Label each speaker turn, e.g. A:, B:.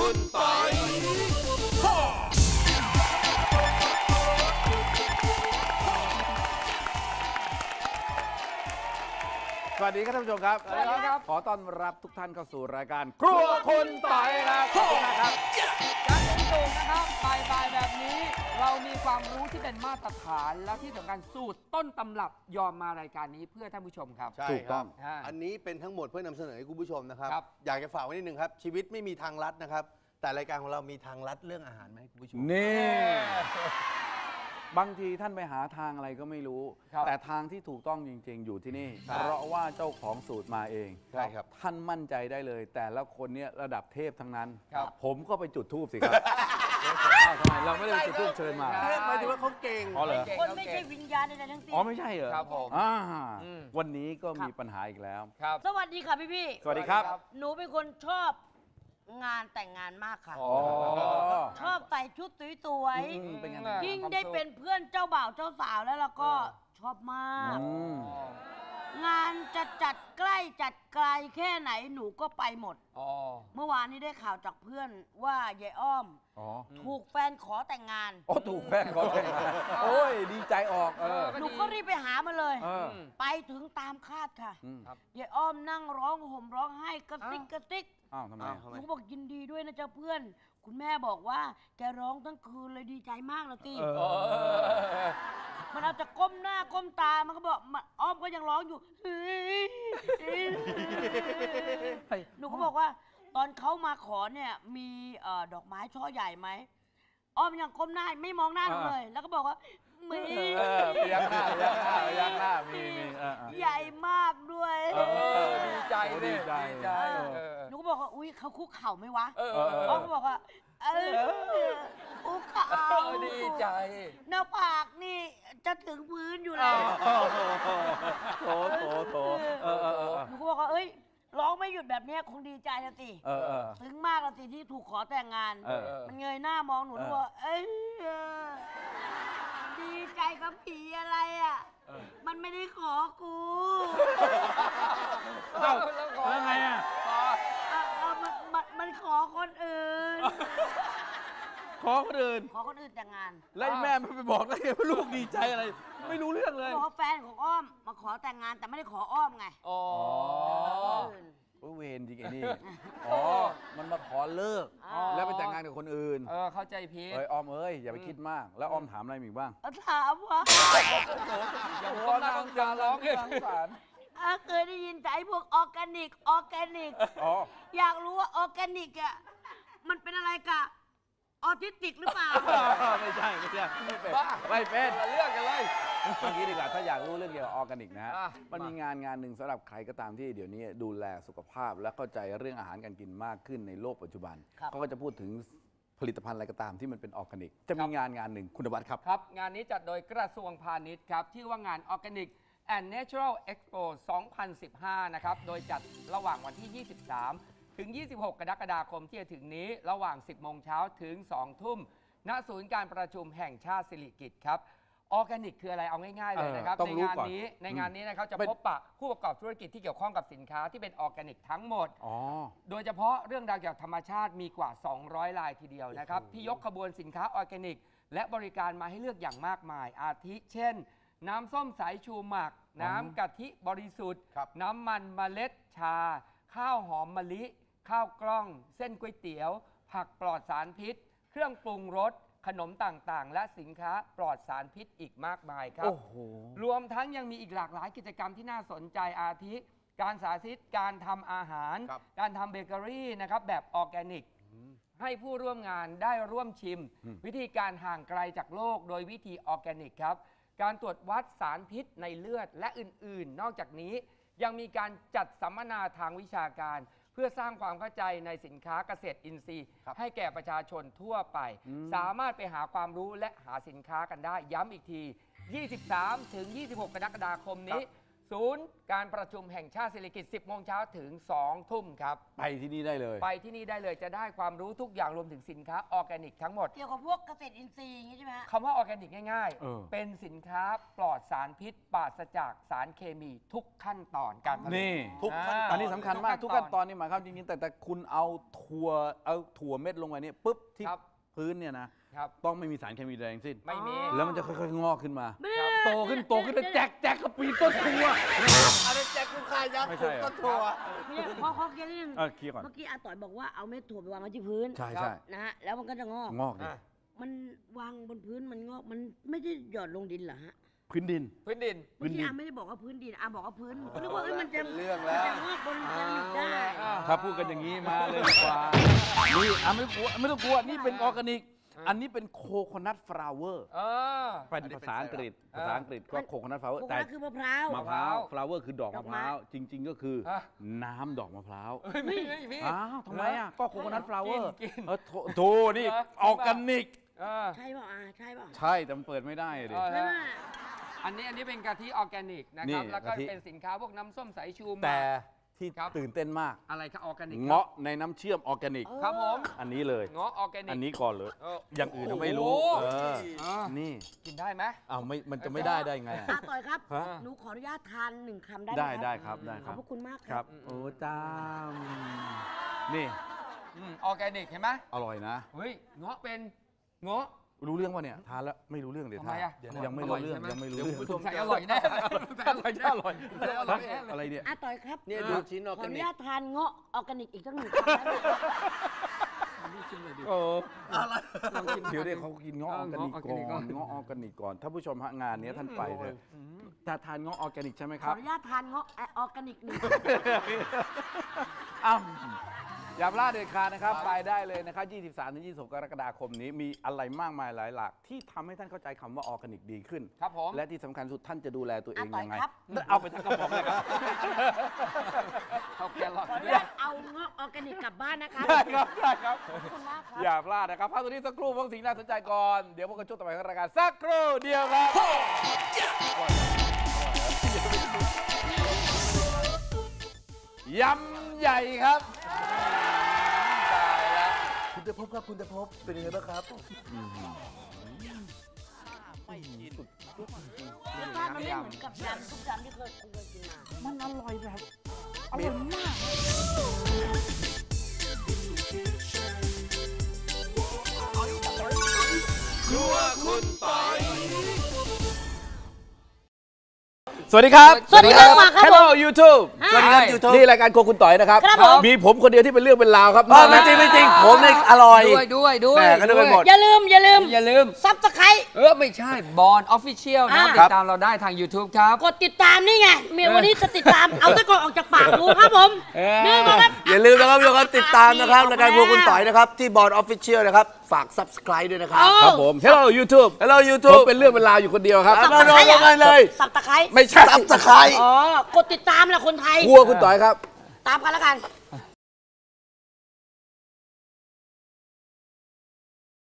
A: คุณปอยสวัสดีครับท่านผู้ชมครับสวัสดีครับขอต้อนรับทุกท่านเข้าสู่รายการครัวคุณปอยครับขอบคุณนะครับ
B: การเป็นสูตรนะครับบ่ายแบบนี้เรามีความรู้ที่เป็นมาตรฐานและที่สำคัญสูตรต้นตำรับยอมมารายการนี้เพื่อท่านผู้ชมครับ
A: ใช่ครับอันนี้เป็นทั้งหมดเพื่อนำเสนอให้คุณผู้ชมนะครับอยากจะฝากไว้นิดนึงครับชีวิตไม่มีทางลัดนะครับแต่รายการของเรามีทางลัดเรื่องอาหารมาให้คุณผู้ชม
C: นี่บางทีท่านไปหาทางอะไรก็ไม่รู้แต่ทางที่ถูกต้องจริงๆอยู่ที่นี่เพราะว่าเจ้าของสูตรมาเอง
A: ใช่ครับ
C: ท่านมั่นใจได้เลยแต่ละคนเนี่ยระดับเทพทั้งนั้นผมก็ไปจุดธูปสิครับทำไมเราไม่ได้จุดธูปเชิญมา
A: หมายถึงว่าเขาเก่ง
C: อ๋อเหรอ
D: คนไม่ใช่วิญญาณใดๆทั้งสิ้น
C: อ๋อไม่ใช่เหรอ
B: ครับผม
C: วันนี้ก็มีปัญหาอีกแล้ว
D: สวัสดีค่ะพี่
C: สวัสดีครับ
D: หนูเป็นคนชอบงานแต่งงานมากค่ะชอบใส่ชุดสวยๆยิ่งได้เป็นเพื่อนเจ้าบ่าวเจ้าสาวแล้วเราก็ชอบมากงานจะจัดใกล้จัดไกลแค่ไหนหนูก็ไปหมดเมื่อวานนี้ได้ข่าวจากเพื่อนว่ายายอ้อมถูกแฟนขอแต่งงาน
C: ถูกแฟนขอแต่งงานโอ้ยดีใจออก
D: หนูก็รีบไปหามาเลยไปถึงตามคาดค่ะยายอ้อมนั่งร้องห่มร้องไห้กระซิกกระซิก
C: ทำไม
D: หนูบอกยินดีด้วยนะเจ้าเพื่อนคุณแม่บอกว่าแกร้องทั้งคืนเลยดีใจมากเลยสิมันเอาจะก้มหน้าก้มตามันก็บอกอ้อมก็ยังร้องอยู่หนูก็บอกว่าตอนเขามาขอเนี่ยมีดอกไม้ช่อใหญ่ไหมอ้อมยังก้มหน้าไม่มองหน้าหนูเลยแล้วก็บอกว่ามี
C: ยักหน้ามี
D: ใหญ่มากด้วย
B: ดีใจ
C: ดีใจ
D: หนูก็บอกว่าอุ้ยเขาคุกเข่าไหมวะอ้อมก็บอกว่าคุกเข่า
B: ดีใจ
D: หน้าผากนี่จะถึงพื้นอยู่แล้ว
C: โถ
D: หนูก็บอกว่าเอ้ยร้องไม่หยุดแบบนี้คงดีใจนะสิถึงมากละสิที่ถูกขอแต่งงานมันเงยหน้ามองหนูว่าดีใจกับผีอะไรอ่ะมันไม่ได้ขอกู
C: แล้วไงอ่ะ
D: มันขอคนอื่น
C: ขอคนอื่น
D: แต่งงาน
C: แล้วแม่ไม่ไปบอกได้ไงว่าลูกดีใจอะไรไม่รู้เรื่องเลย
D: บอกแฟนของอ้อมมาขอแต่งงานแต่ไม่ได้ขออ้อมไง
C: เวรจริงไอ้นี่มันมาขอเลิกแล้วไปแต่งงานกับคนอื่น
B: เข้าใจผิด
C: อ้อมอย่าไปคิดมากแล้วอ้อมถามอะไรอีกบ้าง
D: ถามว่า
B: อย่าหัวนั่งจะร้องเลย
D: เคยได้ยินใจพวกออร์แกนิกอยากรู้ว่าออร์แกนิกอ่ะมันเป็นอะไรกะออทิสติกหรือเปล่า
C: ไม่ใช่ไม่เป็น
B: เรื่องกันเลย
C: เมื่อกี้ดีกว่าถ้าอยากรู้เรื่องเกี่ยวกับออร์แกนิกนะฮะมันมีงานหนึ่งสำหรับใครก็ตามที่เดี๋ยวนี้ดูแลสุขภาพและเข้าใจเรื่องอาหารการกินมากขึ้นในโลกปัจจุบันเขาก็จะพูดถึงผลิตภัณฑ์อะไรก็ตามที่มันเป็นออร์แกนิกจะมีงานหนึ่งคุณวัฒน์ครับ
B: งานนี้จัดโดยกระทรวงพาณิชย์ครับชื่อว่างาน Organic and Natural Expo 2015 นะครับโดยจัดระหว่างวันที่ 23 ถึง 26 กรกฎาคมที่จะถึงนี้ระหว่าง 10 โมงเช้าถึง 2 ทุ่มณศูนย์การประชุมแห่งชาติสิริกิติ์ครับออร์แกนิกคืออะไรเอาง่ายๆเลยนะครับในงานนี้นะครับจะพบปะผู้ประกอบธุรกิจที่เกี่ยวข้องกับสินค้าที่เป็นออร์แกนิกทั้งหมดโดยเฉพาะเรื่องราวเกี่ยวกับธรรมชาติมีกว่า 200 รายทีเดียวนะครับที่ยกขบวนสินค้าออร์แกนิกและบริการมาให้เลือกอย่างมากมายอาทิเช่นน้ำส้มสายชูหมักน้ำกะทิบริสุทธิ์น้ำมันเมล็ดชาข้าวหอมมะลิข้าวกล้องเส้นก๋วยเตี๋ยวผักปลอดสารพิษเครื่องปรุงรสขนมต่างๆและสินค้าปลอดสารพิษอีกมากมายครับรวมทั้งยังมีอีกหลากหลายกิจกรรมที่น่าสนใจอาทิการสาธิตการทำอาหารการทำเบเกอรี่นะครับแบบออร์แกนิกให้ผู้ร่วมงานได้ร่วมชิมวิธีการห่างไกลจากโลกโดยวิธีออร์แกนิกครับการตรวจวัดสารพิษในเลือดและอื่นๆนอกจากนี้ยังมีการจัดสัมมนาทางวิชาการเพื่อสร้างความเข้าใจในสินค้าเกษตรอินทรีย์ให้แก่ประชาชนทั่วไปสามารถไปหาความรู้และหาสินค้ากันได้ย้ำอีกที 23 ถึง 26 กรกฎาคมนี้ศูนย์การประชุมแห่งชาติศิริกิติ์ 10 โมงเช้าถึง 2 ทุ่มครับ
C: ไปที่นี่ได้เลย
B: ไปที่นี่ได้เลยจะได้ความรู้ทุกอย่างรวมถึงสินค้าออร์แกนิกทั้งหมด
D: เกี่ยวกับพวกเกษตรอินทรีย์อย่างนี้ใช่ไหมฮะ
B: คำว่าออร์แกนิกง่าย
C: เออ
B: ๆ เป็นสินค้าปลอดสารพิษปราศจากสารเคมีทุกขั้นตอนการผลิต
C: นี่
A: ทุกขั้นต
C: อั
A: อน น
C: นี้สำคัญมากทุกขั้นตอนนี่หมายความจริงๆแต่คุณเอาถั่วเม็ดลงไปเนี่ยปุ๊บที่
B: ครับ
C: พื้นเนี่ยนะครับ ต้องไม่มีสารเคมีใดทั้งสิ้น
B: ไม่มี
C: แล้วมันจะค่อยๆงอกขึ้นมา
B: ครับ
C: โตขึ้นแล้วแจกกระปีต้นถั่ว
A: อะไรแจกลูกค้ายักษ์
C: ไม่ใช่
A: ก็ทัวร์
D: เนี่ยขอเคลียร์นิดนึง
C: เคลียร์ก่อน
D: เมื่อกี้อาต่อยบอกว่าเอาเม็ดถั่วไปวางไว้ที่พื้น
C: ใช่
D: นะฮะแล้วมันก็จะงอก
C: งอกดิ
B: อ่ะ
D: มันวางบนพื้นมันงอกมันไม่ได้หยอดลงดินเหรอฮะ
C: พื้นดิน
B: พื้นดิน
D: เมื่อกี้อาไม่ได้บอกว่าพื้นดินอาบอกว่าพื้นนึกว่ามันจะ
A: เรื่องแล้ว
D: มันจะงอกบนเซรามิกได้
C: ถ้าพูดกันอย่างนี้มาเลยดีกว่านี่ไม่ต้องกลัวนี่เป็นออร์แกนิก อันนี้เป็นโคโคนัทฟลาวเวอร์
B: เออ
C: เป็นภาษาอังกฤษก็โคโคนัทฟลาวเวอร์
D: โคโค
C: แต่
D: นัทคือมะพร้าว
C: มะพร้าวฟลาวเวอร์คือดอก
D: ดอ
C: มะ
D: ก
C: พ
D: ไม้
C: ร้าวจริง ๆ ก็คือน้ำดอกมะพร้าว
B: เฮ้ยพี่
C: อ้าวทำไมอ่ะก็โคโคนัทฟลาวเวอร์
B: กิน
C: โถนี่ออร์แกนิก
B: เออ
D: ใช่เปล่าอาใช่เปล่า
C: ใช่แต่มันเปิดไม่ได้ดิ
B: เออ
D: ใช่ไหม
B: อันนี้เป็นกะทิออร์แกนิกนะ
C: นี่
B: ครับ แล้วก็
C: กะทิ
B: เป็นสินค้าพวกน้ำส้มสายชูมา
C: แต่ที่
B: ครับ
C: ตื่นเต้นมาก
B: อะไรครับออร์แกนิก
C: เงาะในน้ำเชื่อมออร์แกนิก
B: ครับผม
C: อันนี้เลย
B: เงาะออร์แกนิก
C: อันนี้ก่อนเลย
B: เออ
C: อย่างอื่นเราไม่รู้
B: โอ้โห
C: นี่
B: กินได้ไหม
C: มันจะไม่ได้ไงอะ
D: อาต่อยครับ
C: ฮะ
D: หนูขออนุญาตทาน1 คำได้ไหม
C: ได้ครับได้
D: ข
C: ค
D: อบ
C: รับ
D: พระคุณมาก
C: ค
D: ค
C: รั
D: รั
C: บบ โอ้จ้ามนี่
B: ออร์แกนิกเห็นไหม
C: อร่อยนะ
B: เฮ้ยเงาะเป็นเงาะ
C: รู้เรื่องป่ะเนี่ยทานแล้วไม่รู้เรื่องเดี๋ยว
B: ทำไม
C: ทาน
B: อะ
C: ยังไม่รู้เรื่อง
B: อร่อยใช่ไหม
C: ยังไม่รู้เรื่อง
B: สงสัยอร่อยแน่เลยอร่อยแน่
C: อร่อย
B: อร่อยแน่เลย
C: อะไรเนี่ย
D: อาต่อยครับ
A: เนี่ยดูชิ้นออร์
D: ข
A: แก
D: ออ
A: นิ
D: นุ
A: ก
D: ญาตทานเงาะออร์แกนิกอีกสัก1 คำได้ไหม
C: โอ้
B: ลองชิม
C: เดี๋ยวเขากินเงาะออร์แกนิก
B: เงาะออร์แกนิกก่
C: ก่
B: อ
C: อน นเงาะออร์แกนิกก่อนถ้าผู้ชมฮะงานนี้ท่านไปเถอะจะทานเงาะออร์แกนิกใช่ไหมค
D: ขอ
C: รับ
D: อนุญาตทานเงาะออร์แกนิก1
C: อ้าวอย่าพลาดเด็ดขาดนะครับ ไปได้เลยนะครับ 23-26 กรกฎาคมนี้มีอะไรมากมายหลายหลากที่ทำให้ท่านเข้าใจคำว่าออร์แกนิกดีขึ้น
B: ครับผม
C: และที่สำคัญสุดท่านจะดูแลตัวเองยังไง
D: ครับ
C: เอาไปทั้งกระป๋องเลยครับ
B: เขาแครอท
D: ขออนุ
B: ด้วย
D: ญาตเอาเงาะออร์แกนิกกลับบ้านนะครับ
C: ได้ครับได้ครับ
D: ขอบคุณมากครับ
C: อย่าพลาดนะครับพักตรงนี้สักครู่พวกสิ่งน่าสนใจก่อน เดี๋ยวพวกกันช่วงต่อไปของรายการสักครู่เดียวครับยำใหญ่ครับตายแล้ว
A: คุณจะพบครับคุณจะพบเป็นยังไงบ้างครับ
D: รสชาติมันไม่เหมือนกับยำทุกยำที่เคยกินมา
C: มันอร่อยแบบอร่อยมาก สวัสดีครับ
D: สวัสดีครับมาครับ
C: Hello YouTube
D: สวัสดีครับ
A: YouTube
C: นี่รายการโครัวคุณต่อยนะครับ
D: ครับผม
C: มีผมคนเดียวที่เป็นเรื่องเป็นราวครับ
A: ไม่จริงไม่จริงผมเนี่ยอร่อย
B: ด้วย
A: แหม่ก็นึกไปหมด
D: อย่าลืม ซับสไครต์
B: ไม่ใช่บอลออฟฟิเชียลนะ
D: อ่า
B: ติดตามเราได้ทาง YouTube ครับ
D: กดติดตามนี่ไงเมียวันนี้จะติดตาม เอาตะกอนออกจากปากดูครับผม นี่มาครับ
A: อย่าลืมนะครับทุกคนติดตามนะครับรายการพวกคุณต่อยนะครับ ที่บอร์ดออฟฟิเชียลนะครับ ฝาก subscribe ด้วยนะครับ
C: ครับผม Hello YouTube
A: Hello
C: ผม
A: YouTube
C: เป็นเรื่องเป็นราวอยู่คนเดียวครับ
A: เอาลงกันเลย
D: สับตะไคร้
C: ไม่ใช่
A: subscribe
D: อ๋อ กดติดตามแหละคนไทย
C: ครัวคุณต่อยครับ
D: ตามกันแล้วกัน